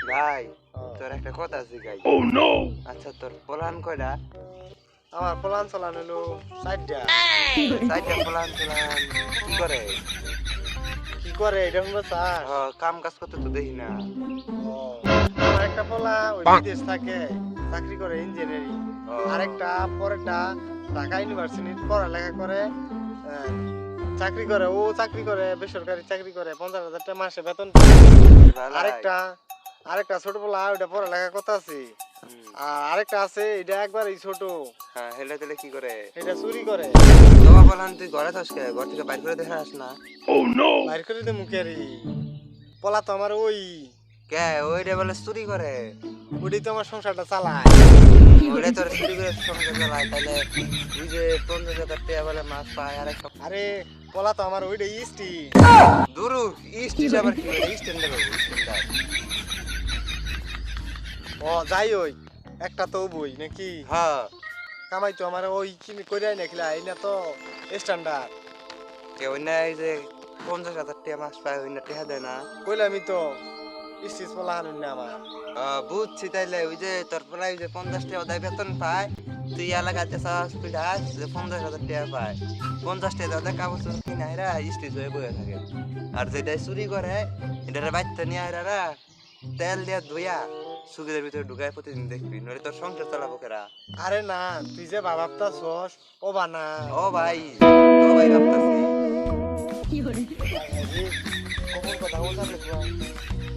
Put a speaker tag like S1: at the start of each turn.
S1: ভাই তোর একটা কথা জিগাই। আচ্ছা তোর প্লান কয়টা?
S2: আমার প্লান চালান হলো 4টা।
S1: চারটা প্লান প্লান কি করে?
S2: কি করে এটা শুনবো স্যার?
S1: কাম কাজ করতে তো দেখি না।
S2: আমার একটা পোলা ওই বিদেশ থাকে, চাকরি করে ইঞ্জিনিয়ারিং।
S1: ও,
S2: আরেকটা পরেরটা ঢাকা ইউনিভার্সিটির পড়ালেখা করে, আহ, চাকরি করে। ও চাকরি করে, বেসরকারি চাকরি করে, 50,000 টাকা মাসে বেতন পায়।
S1: ভালাই।
S2: আরেকটা ছোট পোলা ওইটা পড়ালেখা করতে আছে।
S1: হুম,
S2: আর আরেকটা আছে এটা একবারই ছোট,
S1: হ্যাঁ হেলে তেলে কি করে?
S2: এটা চুরি করে।
S1: তোমার প্লান তুই ঘরে থাকস কে? ঘর থেকে বাইর করে দেখে আস না।
S2: বাইর করে দে মুখেরি। পোলা তো আমার ওই,
S1: কে ওইটা বলে চুরি করে?
S2: ওইটাই তো আমার সংসারটা চালায়।
S1: ওইটা তোর চুরি করে সঙ্গে চালায়, তাহলে তুই যে 50,000 টাকা বলে মাছ পায় আর একটা
S2: আরে পোলা তো আমার ওইটাই ইস্টি।
S1: দুরু ইস্ট আবার কি করে? স্ট্যান্ডার্ড হবে স্ট্যান্ডার্ড।
S2: ও যাই ওই একটা তো বই নাকি
S1: হ্যাঁ
S2: কামাই তো আমার ওই কিনে কইরাই নাকিলা এই না তো স্ট্যান্ডার্ড।
S1: কে ওই না এই যে 50,000 টাকা মাছ পায় ওই না টেহা দেয় না?
S2: কইলামই তো স্টিচ পোলা হানুন না আমার।
S1: বুঝছি, তাইলে ওই যে তোর প্রায় যে 50 টাকা ওদের বেতন পায়, তুই এলাকাতে চাষ পিঠাস যে 50,000 টাকা পায়, 50 টাকা ওদের কাগজ কিনে এরা স্টিচ হয়ে বয়ে থাকে। আর যেটা চুরি করে এটারে বাচ্চা নিয়ে এরা তেল দিয়ে ধুইয়া সুগিদের ভিতরে ঢুকায় প্রতিদিন দেখবি, নইলে তোর সংসার চালাবো কেরা?
S2: আরে না তুই যে বাবাপটা ছস ও বানা।
S1: ও ভাই, ও ভাই ভাবতাছি।
S2: কখন কথা বলতাম